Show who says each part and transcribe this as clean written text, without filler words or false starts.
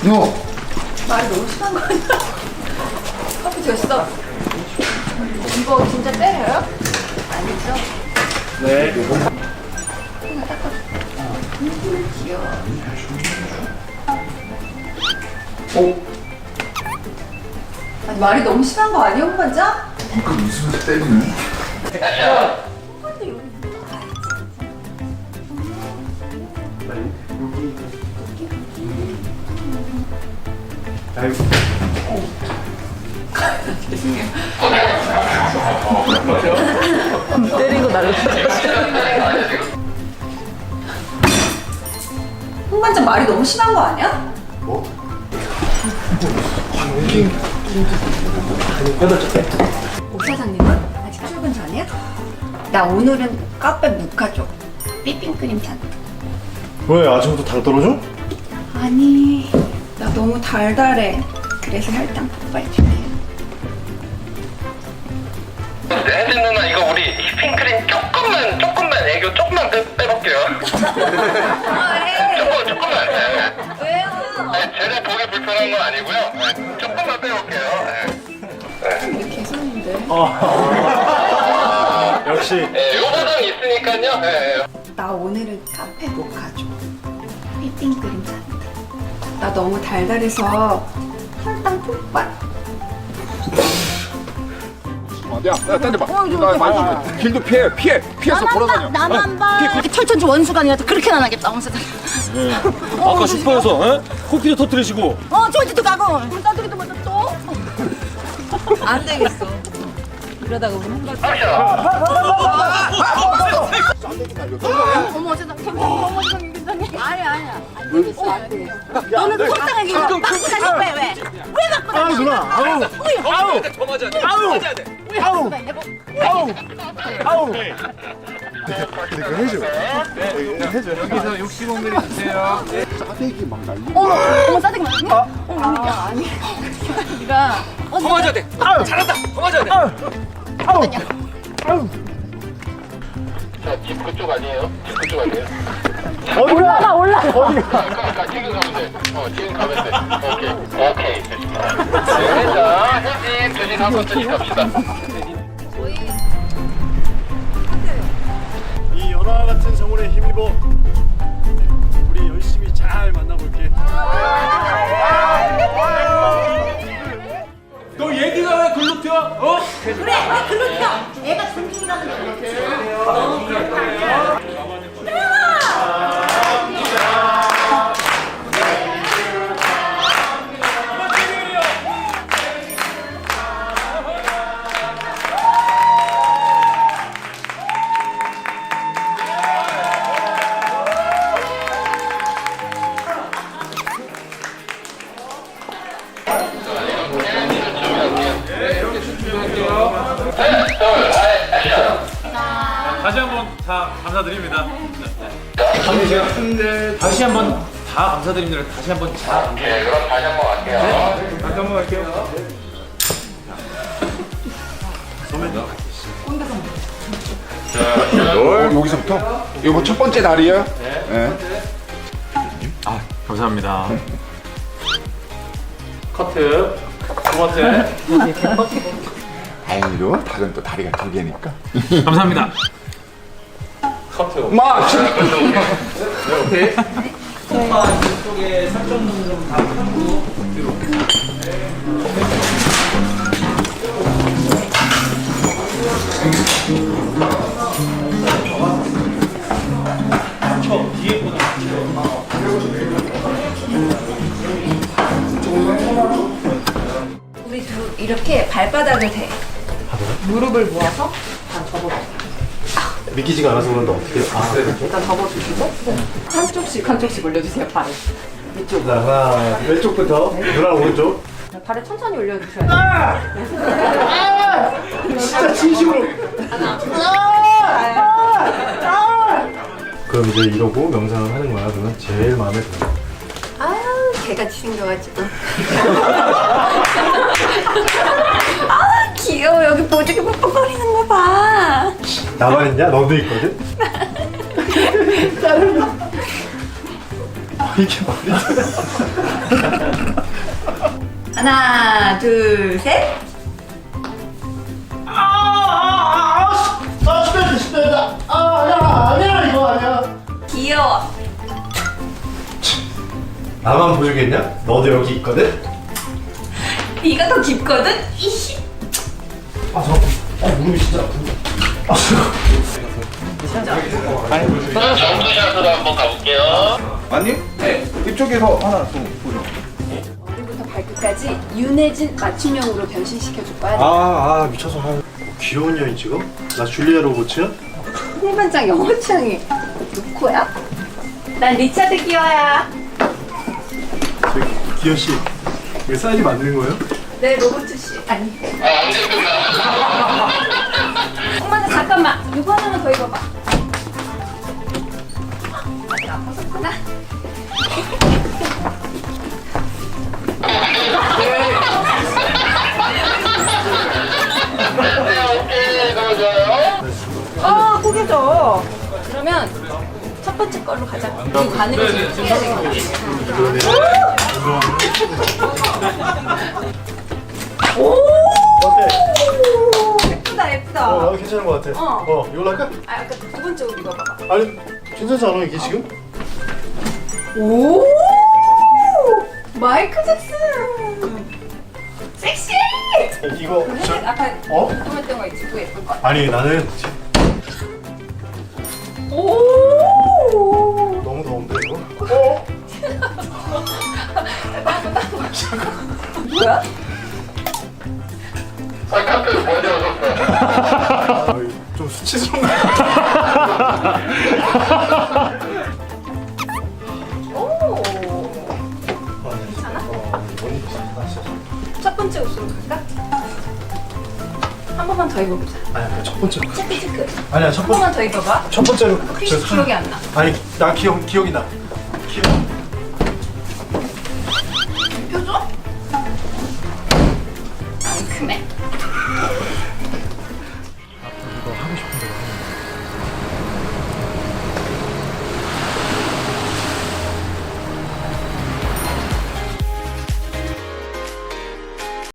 Speaker 1: 너
Speaker 2: 말이 너무 심한 거 아니야? 커피 됐어. 이거 진짜 때려요? 아니죠?
Speaker 3: 네.
Speaker 2: 귀여워. 아니, 말이 너무 심한 거 아니야, 홍반장?
Speaker 1: 그러니까 웃으면서 때리네.
Speaker 2: 홍반장 여기
Speaker 3: 아이고.
Speaker 2: 때린 거 날려. 홍반장 말이 너무 심한 거 아니야?
Speaker 1: 뭐?
Speaker 2: 옥 사장님은 아직 출근 전이야? 나 오늘은 카페 묵카죠. 삐핑크림 잔.
Speaker 3: 왜 아침부터 당 떨어져?
Speaker 2: 아니, 나 너무 달달해. 그래서 혈당 폭발줄게.
Speaker 4: 혜진 누나 이거 우리 휘핑크림 조금만 애교 조금만 빼볼게요. 조금만. 네.
Speaker 2: 왜요?
Speaker 4: 네, 제가 보기 불편한 건 아니고요. 네, 조금만 빼볼게요. 네.
Speaker 2: 개소리인데.
Speaker 3: 역시.
Speaker 4: 네, 요 버전 있으니까요. 네.
Speaker 2: 나 오늘은 카페 모카죠. 휘핑크림 잔. 나 너무 달달해서 혈당 폭발.
Speaker 1: 야, 딴데 봐. 나 많이 길도 피해서 돌아다녀.
Speaker 5: 나만 봐. 이렇게 철천지 원수가 아니라 그렇게 안 하겠다, 왕 사장.
Speaker 3: 아까 슈퍼에서 코끼리 터뜨리시고.
Speaker 5: 저기도 가고. 나들이도 먼저 또.
Speaker 2: 안 되겠어. 이러다가 우리 홍박.
Speaker 5: 어머, 세상. 어머, 세상 굉장히. 아니야. 안 되겠어, 안 되겠어. 너는 속상하게 맞고 다닐 거야, 왜? 왜 맞고 다녀?
Speaker 3: 아우 누나. 아우.
Speaker 4: 더 맞아야 돼. 더 맞아야 돼.
Speaker 1: 그러니까 해줘.
Speaker 4: 여기서 65ml 주세요.
Speaker 1: 짜대기 막 날리.
Speaker 5: 어머, 싸대기 맞니? 아니. 네가
Speaker 4: 더 맞아야 돼. 잘한다. 더 맞아야 돼. 자, 집 그쪽 아니에요? 집 그쪽 아니에요?
Speaker 5: 올라.
Speaker 4: 그러니까 지금 가면 돼. 지금 가면 돼. 오케이. 됐습니다. 네, 자, 혜진 조식 한번 드시 갑시다.
Speaker 3: 이 연화 같은 성원에 힘입어 우리 열심히 잘 만나볼게.
Speaker 6: 너 얘기가 왜 글로 튀어?
Speaker 5: 그래, 왜 글로 튀어? 애가 존중이라는 게
Speaker 6: 다시 한번 다 감사드립니다. 다시 한번 다 감사드립니다. 다시 한번 다 감사드립니다.
Speaker 4: 네, 그럼 다시 한번 갈게요.
Speaker 6: 다시 한번 갈게요.
Speaker 1: 여기서부터? 이거 뭐 첫 번째 날이에요? 네.
Speaker 6: 감사합니다. 커트. 두 번째.
Speaker 1: 다행히도 닭은 또 다리가 두 개니까.
Speaker 6: 감사합니다. 커트.
Speaker 1: 마!
Speaker 6: 오케이. 소파 이쪽에 3.5 좀다 하고 뒤로.
Speaker 2: 우리 둘 이렇게 발바닥을 대. 무릎을 모아서 다 접어줘.
Speaker 3: 믿기지가 않아서 그런데 어떻게?
Speaker 2: 일단 접어주시고 한쪽씩 올려주세요, 발을. 이쪽.
Speaker 3: 자, 하나, 왼쪽부터. 누나 오른쪽.
Speaker 2: 발을 천천히 올려주셔야 돼요.
Speaker 3: 진짜 진심으로. 그럼 이제 이러고 명상을 하는 거야. 그러면 제일 마음에 들어.
Speaker 2: 아유, 개같이 생겨가지고. 아, 귀여워. 여기 보조개 뻑뻑거리는 거 봐.
Speaker 3: 나만 있냐? 너도 있거든? 이게 말이 돼?
Speaker 2: 하나, 둘, 셋.
Speaker 3: 스페이다. 아니야 이거 아니야.
Speaker 2: 귀여워.
Speaker 3: 나만 보여주겠냐? 너도 여기 있거든.
Speaker 2: 네가 더 깊거든. 이씨.
Speaker 3: 무릎이 진짜 아프다.
Speaker 4: 점프샷으로 한번 가볼게요.
Speaker 1: 아니? 네. 이쪽에서 하나 좀 보여.
Speaker 2: 머리부터 발끝까지 윤혜진 맞춤형으로 변신시켜줄 거야.
Speaker 3: 미쳐서. 귀여운 년이 지금? 나 줄리아 로봇이야?
Speaker 2: 홍반장 영어 취향이 루코야? 난 리차드 기어야.
Speaker 3: 기현 씨, 이게 사이즈 맞는 거예요?
Speaker 2: 네, 로버트 씨. 아니.
Speaker 4: 언제 끝나?
Speaker 2: 엄마 잠깐만. 이거 하나만 더 입어봐. 아직 안 벗었구나.
Speaker 4: 오케이, 너무 좋아요.
Speaker 2: 포개져. 그러면 첫 번째 걸로 가자. 이 바늘을 좀 해야 되겠다.
Speaker 3: 어때?
Speaker 2: 예쁘다, 예쁘다.
Speaker 3: 나도 괜찮은 것 같아. 이걸로 할까?
Speaker 2: 아, 아까 두 번째 옷 입어봐봐.
Speaker 3: 아니, 괜찮지 않아 이게 지금?
Speaker 2: 오! 마이클 잭슨! 섹시!
Speaker 3: 이거
Speaker 2: 아까
Speaker 3: 어?
Speaker 2: 궁금했던 거 있지? 그거 예쁠 것 같아.
Speaker 3: 아니 나는
Speaker 2: 오!
Speaker 3: 너무 더운데 이거?
Speaker 2: 뭐야?
Speaker 4: 카트 먼저 오셨어요.
Speaker 3: 좀 수치스럽네.
Speaker 2: 오! 괜찮아? 첫 번째 옷으로 갈까? 한 번만 더 입어보자.
Speaker 3: 아니야 첫 번째.
Speaker 2: 체크.
Speaker 3: 아니야 첫
Speaker 2: 한
Speaker 3: 번째.
Speaker 2: 번만 더 입어봐.
Speaker 3: 첫 번째로.
Speaker 2: 혹시 기억이 안 나.
Speaker 3: 아니 나 기억이 나.
Speaker 2: 표정? 안 크네.